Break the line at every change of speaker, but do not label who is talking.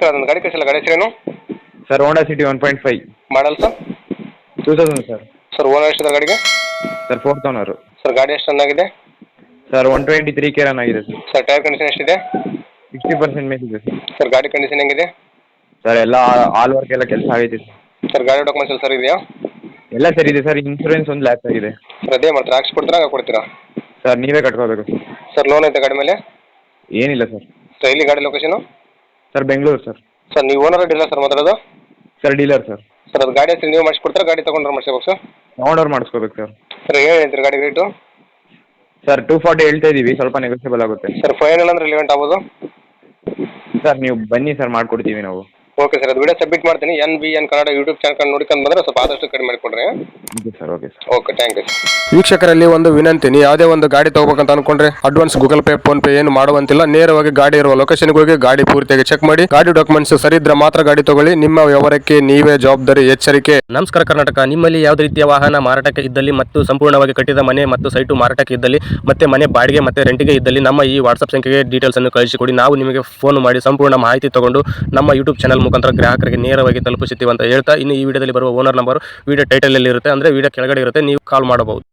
Sir ಅದೊಂದು ಗಾಡಿ ಕಳಿಸಿಲ್ಲ, ಗಾಡಿ ಹೆಸರೇನು?
Sir Honda City 1.5
model sir?
2000 sir.
Sir owner ಎಷ್ಟಿದೆ ಗಾಡಿಗೆ?
Sir 4th owner.
ಸರ್ ಗಾಡಿ ಎಷ್ಟು ರನ್ ಆಗಿದೆ?
ಸರ್ 123 ಕೆ ರನ್ ಆಗಿದೆ ಸರ್.
ಸರ್ ಟೈರ್ ಕಂಡೀಷನ್ ಎಷ್ಟಿದೆ?
60% ಮೇಲಿದೆ ಸರ್.
ಸರ್ ಗಾಡಿ ಕಂಡೀಷನ್ ಹೆಂಗಿದೆ?
ಸರ್ ಎಲ್ಲ ಆಲ್ ವರ್ಕ್ ಎಲ್ಲ ಕೆಲಸ ಆಗೈತೆ ಸರ್.
ಸರ್ ಗಾಡಿ ಡಾಕ್ಯುಮೆಂಟ್ಸ್ ಎಲ್ಲ ಸರ್ ಇದೆಯಾ?
ಎಲ್ಲ ಸರ್ ಇದೆ ಸರ್. ಇನ್ಶೂರೆನ್ಸ್ ಒಂದು ಲ್ಯಾಪ್ಸ್ ಆಗಿದೆ
ಸರ್ ಅದೇ ಮಾಡ್ತೀರಾ, ಹಾಕ್ಸಿ ಕೊಡ್ತೀರಾ ಹಾಗೆ ಕೊಡ್ತೀರಾ?
ಸರ್. ನೀವೇ ಕಟ್ಕೋಬೇಕು ಸರ್.
ಸರ್ ಲೋನ್ ಐತೆ ಗಾಡಿ ಮೇಲೆ?
ಏನಿಲ್ಲ ಸರ್.
ಸರ್ ಎಲ್ಲಿ ಗಾಡಿ location?
Sir Bengaluru sir.
Sir ನೀವು ಓನರ್ ಡೀಲರ್ ಸರ್ ಮಾತಾಡೋದು?
Sir dealer sir.
ಸರ್ ಅದು ಗಾಡಿ ಹೆಸರು ನೀವು ಮಾಡಿಸ್ಕೊಡ್ತೀರಾ, ಗಾಡಿ ತೊಗೊಂಡ್ರೆ ಮಾಡಿಸ್ಬೇಕು ಸರ್?
ತೊಗೊಂಡವ್ರು ಮಾಡಿಸ್ಕೋಬೇಕು ಸರ್.
ಸರ್ ಏನು ಹೇಳ್ತೀರಿ ಗಾಡಿ ರೇಟು?
ಸರ್ 240 ಹೇಳ್ತಾ ಇದ್ದೀವಿ, ಸ್ವಲ್ಪ ನೆಗೋಷಿಯಬಲ್ ಆಗುತ್ತೆ
ಸರ್ ಫೈನಲ್ ಅಂದ್ರೆ ರಿಲೆವೆಂಟ್ ಆಗ್ಬೋದು?
ಸರ್ ನೀವು ಬನ್ನಿ ಸರ್, ಮಾಡಿಕೊಡ್ತೀವಿ ನಾವು.
ಓಕೆ ಸರ್, ಅದು ವಿಡಿಯೋ ಸಬ್ಮಿಟ್ ಮಾಡ್ತೀನಿ. NBN ಕನ್ನಡ ಯೂಟ್ಯೂಬ್ ಚಾನಲ್ ನೋಡ್ಕೊಂಡು ಬಂದರೆ ಸ್ವಲ್ಪ ಆದಷ್ಟು ಕಡಿಮೆ ಮಾಡಿಕೊಡ್ರಿ.
Okay sir. Okay sir.
Okay, thank you.
ವೀಕ್ಷಕರಲ್ಲಿ ಒಂದು ವಿನಂತಿ, ನೀವು ಯಾವುದೇ ಒಂದು ಗಾಡಿ ತಗೋಬೇಕಂತ ಅನ್ಕೊಂಡ್ರೆ advance Google Pay PhonePe ಏನು ಮಾಡುವಂತಿಲ್ಲ. ನೇರವಾಗಿ ಗಾಡಿ ಇರುವ ಲೊಕೇಶನ್ಗೆ ಹೋಗಿ ಗಾಡಿ ಪೂರ್ತಿಯಾಗಿ ಚೆಕ್ ಮಾಡಿ, ಗಾಡಿ ಡಾಕ್ಯುಮೆಂಟ್ಸ್ ಸರಿ ಇದ್ರೆ ಮಾತ್ರ ಗಾಡಿ ತಗೊಳ್ಳಿ. ನಿಮ್ಮ ವ್ಯವಹಾರಕ್ಕೆ ನೀವೇ ಜವಾಬ್ದಾರಿ. ಎಚ್ಚರಿಕೆ.
ನಮಸ್ಕಾರ ಕರ್ನಾಟಕ. ನಿಮ್ಮಲ್ಲಿ ಯಾವುದೇ ರೀತಿಯ ವಾಹನ ಮಾರಾಟಕ್ಕೆ ಇದ್ದಲ್ಲಿ ಮತ್ತು ಸಂಪೂರ್ಣವಾಗಿ ಕಟ್ಟಿದ ಮನೆ ಮತ್ತು ಸೈಟು ಮಾರಾಟಕ್ಕೆ ಇದ್ದಲ್ಲಿ ಮತ್ತೆ ಮನೆ ಬಾಡಿಗೆ ಮತ್ತೆ ರೆಂಟಿಗೆ ಇದ್ದಲ್ಲಿ ನಮ್ಮ ಈ ವಾಟ್ಸ್ಆಪ್ ಸಂಖ್ಯೆಗೆ ಡೀಟೇಲ್ಸ್ ಅನ್ನು ಕಳಿಸಿಕೊಡಿ. ನಾವು ನಿಮಗೆ ಫೋನ್ ಮಾಡಿ ಸಂಪೂರ್ಣ ಮಾಹಿತಿ ತಗೊಂಡು ನಮ್ಮ ಯೂಟ್ಯೂಬ್ ಚಾನಲ್ ಮುಖಾಂತರ ಗ್ರಾಹಕರಿಗೆ ನೇರವಾಗಿ ತಲುಪಿಸುತ್ತೀವಿ ಅಂತ ಹೇಳ್ತಾ, ಇನ್ನು ಈ ವಿಡಿಯೋದಲ್ಲಿ ಬರುವ ಓನರ್ ನಂಬರ್ ವಿಡಿಯೋ ಟೈಟಲ್ ಅಲ್ಲಿ ಇರುತ್ತೆ, ಅಂದ್ರೆ ವಿಡಿಯೋ ಕೆಳಗಡೆ ಇರುತ್ತೆ, ನೀವು ಕಾಲ್ ಮಾಡಬಹುದು.